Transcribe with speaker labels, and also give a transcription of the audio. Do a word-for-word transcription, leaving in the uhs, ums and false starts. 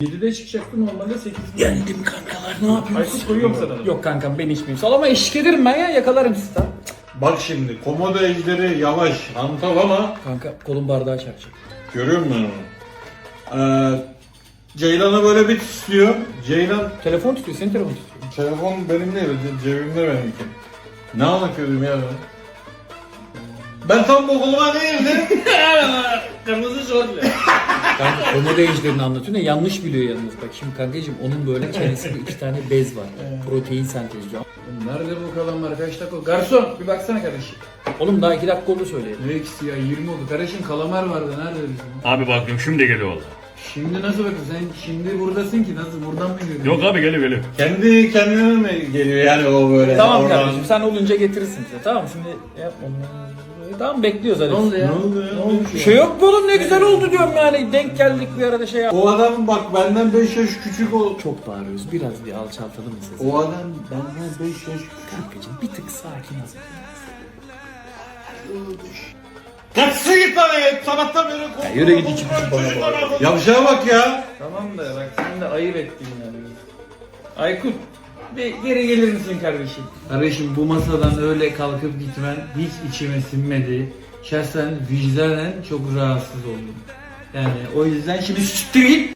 Speaker 1: yedide çıkacaktı normalde sekizde.
Speaker 2: Yendim kankalar, ne yapıyorsun?
Speaker 1: Aykut koyuyorum sana.
Speaker 2: Yok kankam, ben içmeyeyim. Salama eşlik ederim ben ya, yakalarım sizi. Tamam.
Speaker 3: Bak şimdi komodo ejderi yavaş, hantal ama
Speaker 2: Kanka kolum bardağı çarpacak.
Speaker 3: görüyor musun onu? Ee, Ceylan'a böyle bir tutuyor. Ceylan
Speaker 2: Telefon tutuyor, senin telefon tutuyor.
Speaker 3: telefon benim değil, cebimde benimki. Ne anlatıyordum ya ben? Ben tam bu koluma değildim.
Speaker 1: Kırmızı şortlu.
Speaker 2: Kanka komodo ejderini anlatıyor ne, yanlış biliyor yalnız. Bak şimdi kankacığım, onun böyle çenesinde iki tane bez var. Protein sentezliyor.
Speaker 1: Nerede bu kalanlar? Kaç dakika? Garson bir baksana kardeşim.
Speaker 2: Oğlum daha iki dakika oldu söyleyelim.
Speaker 1: Ne ikisi ya? yirmi oldu. Kardeşim kalamar vardı. Nerede bizim?
Speaker 4: Abi bakıyorum şimdi geliyor valla.
Speaker 1: Şimdi nasıl bakıyorsun? Sen şimdi buradasın ki nasıl? Buradan mı geliyorsun?
Speaker 4: Yok abi geliyor geliyor.
Speaker 3: Kendi kendine mi geliyor yani o böyle?
Speaker 2: Tamam
Speaker 3: oradan?
Speaker 2: kardeşim, sen olunca getirirsin bize. Tamam şimdi yapma. Tamam, bekliyoruz hadi.
Speaker 1: Ne oldu ya?
Speaker 3: Ne oldu ya?
Speaker 1: Ne olmuş
Speaker 2: Bir
Speaker 1: ya?
Speaker 2: şey yok mu oğlum, ne güzel oldu diyorum yani. Denk geldik bir arada şey yap.
Speaker 3: O adam bak benden beş yaş küçük o.
Speaker 2: Çok bağırıyoruz. Biraz bir alçaltalım mı sesi?
Speaker 3: O adam benden beş yaş küçük.
Speaker 2: Kankacığım bir tık sakin ol.
Speaker 3: Kaçsın git lan ya. Sabahtan beri korkuyorum.
Speaker 2: Ya yürü git iki buçuk bana bağır.
Speaker 3: Yavşağa bak ya.
Speaker 1: Tamam da bak sen de ayıp ettin yani. Aykut bir geri gelir misin kardeşim? Kardeşim bu masadan öyle kalkıp gitmen hiç içime sinmedi. Şahsen vicdanen çok rahatsız oldum. Yani o yüzden şimdi siktir git.